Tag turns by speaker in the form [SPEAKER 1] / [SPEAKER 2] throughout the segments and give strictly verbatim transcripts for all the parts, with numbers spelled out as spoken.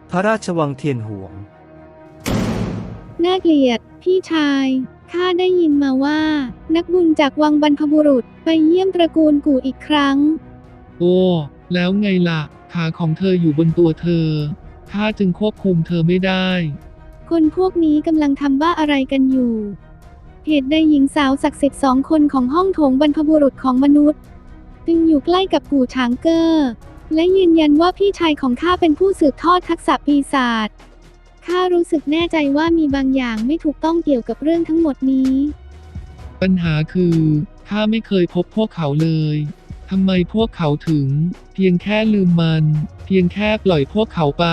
[SPEAKER 1] พระราชวังเทียนหวง
[SPEAKER 2] น่าเกลียดพี่ชายข้าได้ยินมาว่านักบุญจากวังบรรพบุรุษไปเยี่ยมตระกูลกู่อีกครั้ง
[SPEAKER 3] โอ้แล้วไงล่ะขาของเธออยู่บนตัวเธอข้าจึงควบคุมเธอไม่ได้
[SPEAKER 2] คนพวกนี้กำลังทำบ้าอะไรกันอยู่เหตุใดหญิงสาวศักดิ์สิทธิ์สองคนของห้องโถงบรรพบุรุษของมนุษย์จึงอยู่ใกล้กับกู่ช้างเกอร์และยืนยันว่าพี่ชายของข้าเป็นผู้สืบทอดทักษะปีศาจข้ารู้สึกแน่ใจว่ามีบางอย่างไม่ถูกต้องเกี่ยวกับเรื่องทั้งหมดนี้
[SPEAKER 3] ปัญหาคือข้าไม่เคยพบพวกเขาเลยทำไมพวกเขาถึงเพียงแค่ลืมมันเพียงแค่ปล่อยพวกเขาไป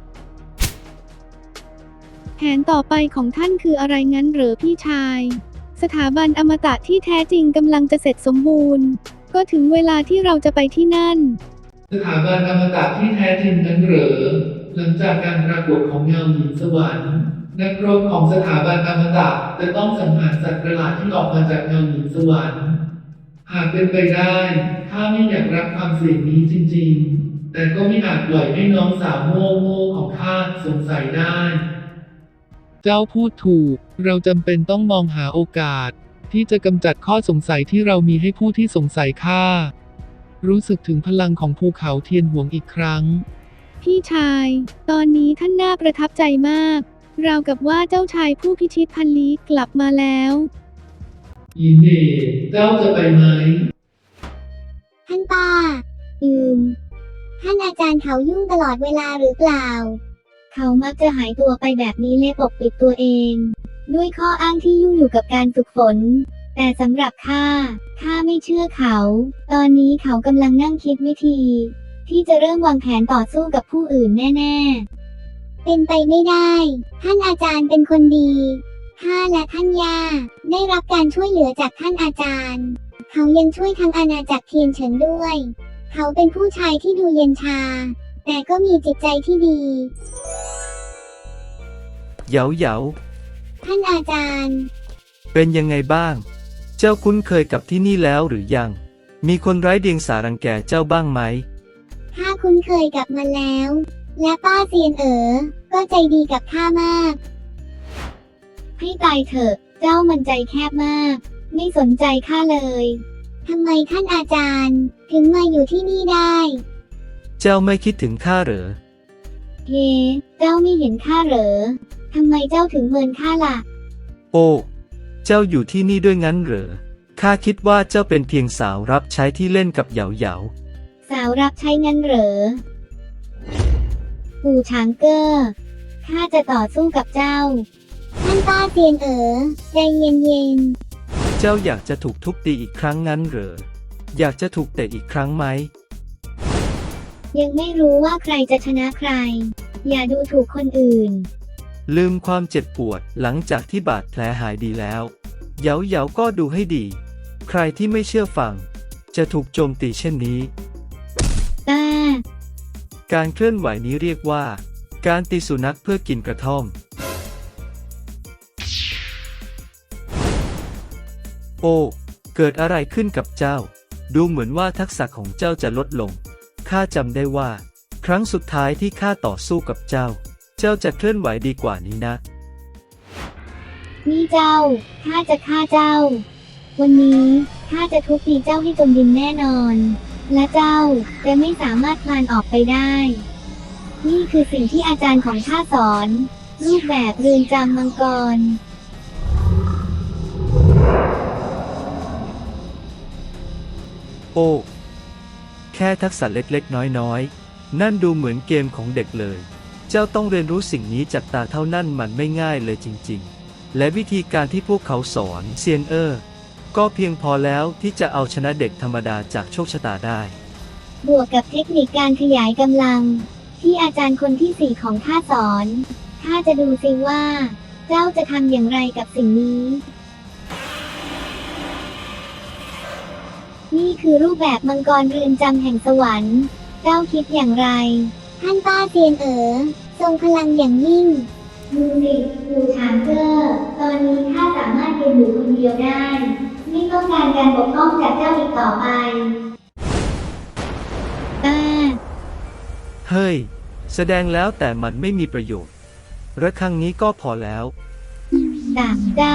[SPEAKER 2] แผนต่อไปของท่านคืออะไรงั้นเหรอพี่ชายสถาบันอมตะที่แท้จริงกำลังจะเสร็จสมบูรณ์ก็ถึงเวลาที่เราจะไปที่นั่น
[SPEAKER 3] สถาบันอมตะที่แท้จริงนั้นเหรอหลังจากการปรากฏของเงาหญิงสวรรค์นักรบของสถาบันอมตะจะต้องสังหารสัตว์ประหลาดที่ออกมาจากเงาหญิงสวรรค์หากเป็นไปได้ข้าไม่อยากรับความเสี่ยงนี้จริงๆแต่ก็ไม่อาจปล่อยให้น้องสาวโง่ๆของข้าสงสัยได้เจ้าพูดถูกเราจำเป็นต้องมองหาโอกาสที่จะกำจัดข้อสงสัยที่เรามีให้ผู้ที่สงสัยข้ารู้สึกถึงพลังของภูเขาเทียนหวงอีกครั้ง
[SPEAKER 2] พี่ชายตอนนี้ท่านน่าประทับใจมากราวกับว่าเจ้าชายผู้พิชิตพันลี้กลับมาแล้ว
[SPEAKER 3] ยินดีเจ้าจะไปไหม
[SPEAKER 4] ท่านป้าอืมท่านอาจารย์เขายุ่งตลอดเวลาหรือเปล่าเขามักจะหายตัวไปแบบนี้และปกปิดตัวเองด้วยข้ออ้างที่ยุ่งอยู่กับการฝึกฝนแต่สำหรับข้าข้าไม่เชื่อเขาตอนนี้เขากำลังนั่งคิดวิธีที่จะเริ่มวางแผนต่อสู้กับผู้อื่นแน่ๆเป็นไปไม่ได้ท่านอาจารย์เป็นคนดีข้าและท่านย่าได้รับการช่วยเหลือจากท่านอาจารย์เขายังช่วยทั้งอาณาจักรเทียนเฉินด้วยเขาเป็นผู้ชายที่ดูเย็นชาแต่ก็มีจิตใจที่ดี
[SPEAKER 1] เหยาเหยา
[SPEAKER 4] ท่านอาจารย์
[SPEAKER 1] เป็นยังไงบ้างเจ้าคุ้นเคยกับที่นี่แล้วหรือยังมีคนไร้เดียงสารังแกเจ้าบ้างไหม
[SPEAKER 4] ข้าคุ้นเคยกับมันแล้วและป้าเซียนเอ๋อก็ใจดีกับข้ามากให้ตายเถอะเจ้ามันใจแคบมากไม่สนใจข้าเลยทำไมท่านอาจารย์ถึงมาอยู่ที่นี่ได้
[SPEAKER 1] เจ้าไม่คิดถึงข้าเหรอ
[SPEAKER 4] เฮ้เจ้าไม่เห็นข้าเหรอทำไมเจ้าถึงเมินข้าล่ะ
[SPEAKER 1] โอ้เจ้าอยู่ที่นี่ด้วยงั้นเหรอข้าคิดว่าเจ้าเป็นเพียงสาวรับใช้ที่เล่นกับเหยาเหยา
[SPEAKER 4] สาวรับใช้งั้นเหรอปู่ช้างเกอร์ข้าจะต่อสู้กับเจ้าท่านป้าเซียนเอ๋อใจเย็น
[SPEAKER 1] ๆเจ้าอยากจะถูกทุบตีอีกครั้งงั้นเหรออยากจะถูกเตะอีกครั้งไหม
[SPEAKER 4] ยังไม่รู้ว่าใครจะชนะใครอย่าดูถูกคนอื่น
[SPEAKER 1] ลืมความเจ็บปวดหลังจากที่บาดแผลหายดีแล้วเหยาเหยาก็ดูให้ดีใครที่ไม่เชื่อฟังจะถูกโจมตีเช่นนี้
[SPEAKER 4] แต่
[SPEAKER 1] การเคลื่อนไหวนี้เรียกว่าการตีสุนัขเพื่อกินกระท่อมโอ้เกิดอะไรขึ้นกับเจ้าดูเหมือนว่าทักษะของเจ้าจะลดลงข้าจำได้ว่าครั้งสุดท้ายที่ข้าต่อสู้กับเจ้าเจ้าจะเคลื่อนไหวดีกว่านี้นะ
[SPEAKER 4] นี่เจ้าข้าจะฆ่าเจ้าวันนี้ข้าจะทุบตีเจ้าให้จมดินแน่นอนและเจ้าจะไม่สามารถคลานออกไปได้นี่คือสิ่งที่อาจารย์ของข้าสอนรูปแบบเรือนจำมังกร
[SPEAKER 1] โอ้แค่ทักษะเล็กๆน้อยๆนั่นดูเหมือนเกมของเด็กเลยเจ้าต้องเรียนรู้สิ่งนี้จากตาเท่านั้นมันไม่ง่ายเลยจริงๆและวิธีการที่พวกเขาสอนเซียนเออร์ก็เพียงพอแล้วที่จะเอาชนะเด็กธรรมดาจากโชคชะตาได้
[SPEAKER 4] บวกกับเทคนิคการขยายกำลังที่อาจารย์คนที่สี่ของข้าสอนข้าจะดูซิว่าเจ้าจะทำอย่างไรกับสิ่งนี้นี่คือรูปแบบมังกรเรือนจำแห่งสวรรค์เจ้าคิดอย่างไรท่านป้าเซียนเอ๋อทรงพลังอย่างยิ่งดูสิปู่ช้างเกอร์ตอนนี้ข้าสามารถยืนอยู่คนเดียวได้ไม่ต้องการการปกป้องจากเจ้าอีกต่อไป
[SPEAKER 1] เฮ้ยแสดงแล้วแต่มันไม่มีประโยชน์ระครั้งนี้ก็พอแล้ว
[SPEAKER 4] ดาบเจ้า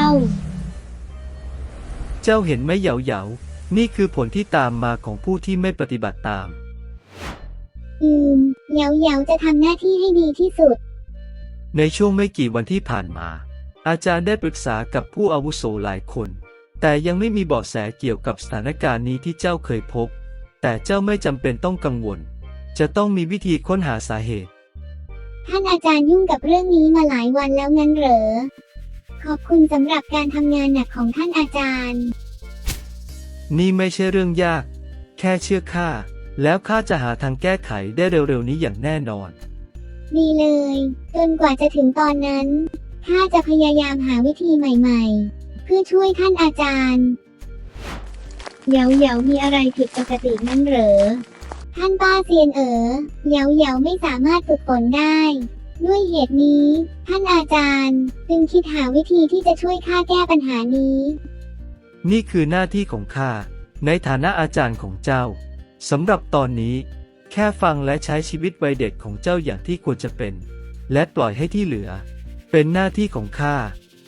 [SPEAKER 1] เจ้าเห็นไหมเหยาเหยานี่คือผลที่ตามมาของผู้ที่ไม่ปฏิบัติตาม
[SPEAKER 4] อืมเหยาเหยาจะทำหน้าที่ให้ดีที่สุด
[SPEAKER 1] ในช่วงไม่กี่วันที่ผ่านมา อาจารย์ได้ปรึกษากับผู้อาวุโสหลายคน แต่ยังไม่มีเบาะแสเกี่ยวกับสถานการณ์นี้ที่เจ้าเคยพบ แต่เจ้าไม่จำเป็นต้องกังวล จะต้องมีวิธีค้นหาสาเหตุ
[SPEAKER 4] ท่านอาจารย์ยุ่งกับเรื่องนี้มาหลายวันแล้วงั้นเหรอ ขอบคุณสำหรับการทำงานหนักของท่านอาจารย์
[SPEAKER 1] นี่ไม่ใช่เรื่องยาก แค่เชื่อข้า แล้วข้าจะหาทางแก้ไขได้เร็วๆนี้อย่างแน่นอน
[SPEAKER 4] ดีเลย จนกว่าจะถึงตอนนั้น ข้าจะพยายามหาวิธีใหม่ๆ เพื่อช่วยท่านอาจารย์ เหยาเหยามีอะไรผิดปกตินั่นเหรอ ท่านป้าเซียนเอ๋อเหยาเหยาไม่สามารถฝึกฝนได้ ด้วยเหตุนี้ ท่านอาจารย์จึงคิดหาวิธีที่จะช่วยข้าแก้ปัญหานี้
[SPEAKER 1] นี่คือหน้าที่ของข้า ในฐานะอาจารย์ของเจ้า สำหรับตอนนี้ แค่ฟังและใช้ชีวิตวัยเด็กของเจ้าอย่างที่ควรจะเป็น และปล่อยให้ที่เหลือ เป็นหน้าที่ของข้า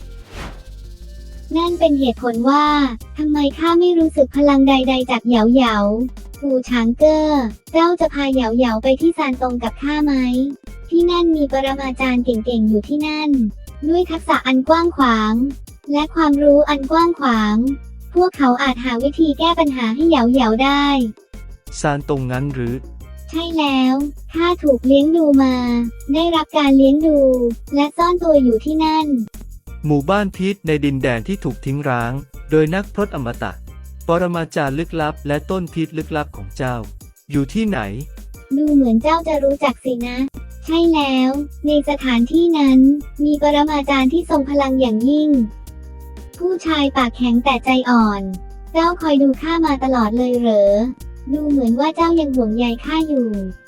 [SPEAKER 4] นั่นเป็นเหตุผลว่าทำไมข้าไม่รู้สึกพลังใดๆจากเหยาเหยาปู่ช้างเกอร์เจ้าจะพาเหยาเหยาไปที่ซานตงกับข้าไหม ที่นั่นมีปรมาจารย์เก่งๆอยู่ที่นั่น ด้วยทักษะอันกว้างขวาง และความรู้อันกว้างขวาง พวกเขาอาจหาวิธีแก้ปัญหาให้เหยาเหยาได้
[SPEAKER 1] ซานตรงนั้นหรือ
[SPEAKER 4] ใช่แล้วข้าถูกเลี้ยงดูมา ได้รับการเลี้ยงดู และซ่อนตัวอยู่ที่นั่น
[SPEAKER 1] หมู่บ้านพิษในดินแดนที่ถูกทิ้งร้าง โดยนักพรตอมตะ ปรมาจารย์ลึกลับและต้นพิษลึกลับของเจ้า อยู่ที่ไหน
[SPEAKER 4] ดูเหมือนเจ้าจะรู้จักสินะ ใช่แล้ว ในสถานที่นั้น มีปรมาจารย์ที่ทรงพลังอย่างยิ่ง ผู้ชายปากแข็งแต่ใจอ่อน เจ้าคอยดูข้ามาตลอดเลยเหรอ ดูเหมือนว่าเจ้ายังห่วงใยข้าอยู่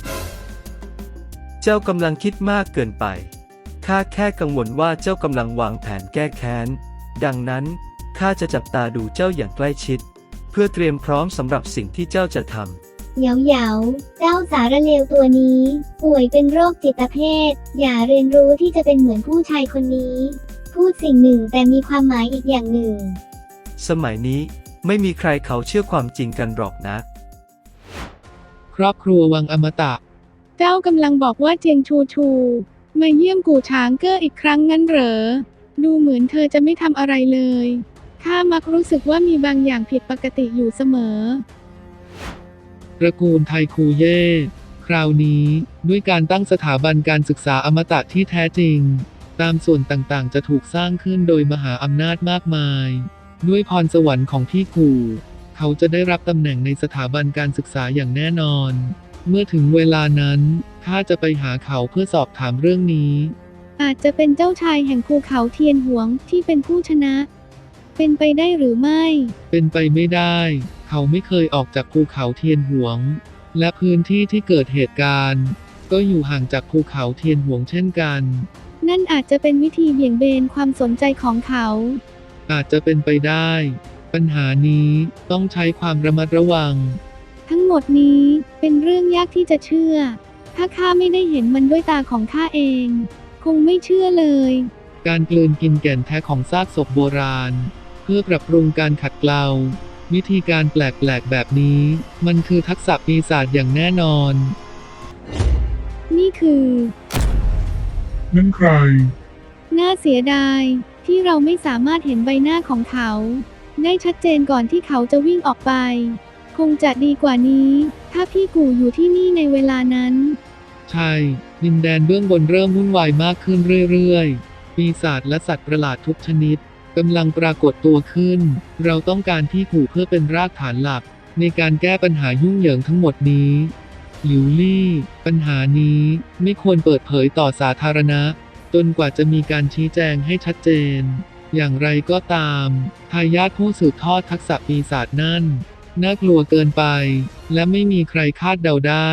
[SPEAKER 1] เจ้ากำลังคิดมากเกินไป ข้าแค่กังวลว่าเจ้ากำลังวางแผนแก้แค้น ดังนั้นข้าจะจับตาดูเจ้าอย่างใกล้ชิด เพื่อเตรียมพร้อมสำหรับสิ่งที่เจ้าจะทำ
[SPEAKER 4] เหยาเหยาเจ้าสารเลวตัวนี้ ป่วยเป็นโรคจิตเภท อย่าเรียนรู้ที่จะเป็นเหมือนผู้ชายคนนี้ พูดสิ่งหนึ่งแต่มีความหมายอีกอย่างหนึ่ง
[SPEAKER 1] สมัยนี้ไม่มีใครเขาเชื่อความจริงกันหรอกนะ
[SPEAKER 3] ครอบครัววังอมตะ
[SPEAKER 2] เจ้ากำลังบอกว่าเจียงชูชูมาเยี่ยมกู่ช้างเก้ออีกครั้งงั้นเหรอ ดูเหมือนเธอจะไม่ทำอะไรเลย ข้ามักรู้สึกว่ามีบางอย่างผิดปกติอยู่เสมอ
[SPEAKER 3] ตระกูลไทคูเย่ คราวนี้ด้วยการตั้งสถาบันการศึกษาอมตะที่แท้จริง ตามส่วนต่างๆจะถูกสร้างขึ้นโดยมหาอำนาจมากมาย ด้วยพรสวรรค์ของพี่กู่เขาจะได้รับตำแหน่งในสถาบันการศึกษาอย่างแน่นอน เมื่อถึงเวลานั้นข้าจะไปหาเขาเพื่อสอบถามเรื่องนี้
[SPEAKER 2] อาจจะเป็นเจ้าชายแห่งภูเขาเทียนหวงที่เป็นผู้ชนะ เป็นไปได้หรือไม่
[SPEAKER 3] เป็นไปไม่ได้ เขาไม่เคยออกจากภูเขาเทียนหวง และพื้นที่ที่เกิดเหตุการณ์ ก็อยู่ห่างจากภูเขาเทียนหวงเช่นกัน
[SPEAKER 2] นั่นอาจจะเป็นวิธีเบี่ยงเบนความสนใจของเขา
[SPEAKER 3] อาจจะเป็นไปได้ ปัญหานี้ต้องใช้ความระมัดระวัง
[SPEAKER 2] ทั้งหมดนี้เป็นเรื่องยากที่จะเชื่อ ถ้าข้าไม่ได้เห็นมันด้วยตาของข้าเอง คงไม่เชื่อเลย
[SPEAKER 3] การกลืนกินแก่นแท้ของซากศพโบราณ เพื่อปรับปรุงการขัดเกลา วิธีการแปลกๆแบบนี้ มันคือทักษะปีศาจอย่างแน่นอน
[SPEAKER 2] นี่คือ
[SPEAKER 3] นั่นใคร
[SPEAKER 2] น่าเสียดายที่เราไม่สามารถเห็นใบหน้าของเขา ได้ชัดเจนก่อนที่เขาจะวิ่งออกไป คงจะดีกว่านี้ ถ้าพี่กู่อยู่ที่นี่ในเวลานั้น
[SPEAKER 3] ใช่ ดินแดนเบื้องบนเริ่มวุ่นวายมากขึ้นเรื่อยๆ ปีศาจและสัตว์ประหลาดทุกชนิดกำลังปรากฏตัวขึ้น เราต้องการพี่กู่เพื่อเป็นรากฐานหลัก ในการแก้ปัญหายุ่งเหยิงทั้งหมดนี้ หลิวลี่ ปัญหานี้ไม่ควรเปิดเผยต่อสาธารณะ จนกว่าจะมีการชี้แจงให้ชัดเจน อย่างไรก็ตามทายาทผู้สืบทอดทักษะปีศาจนั่นน่ากลัวเกินไป และไม่มีใครคาดเดาได้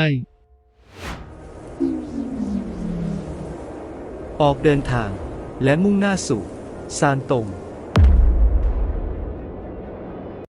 [SPEAKER 1] ออกเดินทาง และมุ่งหน้าสู่ซานตง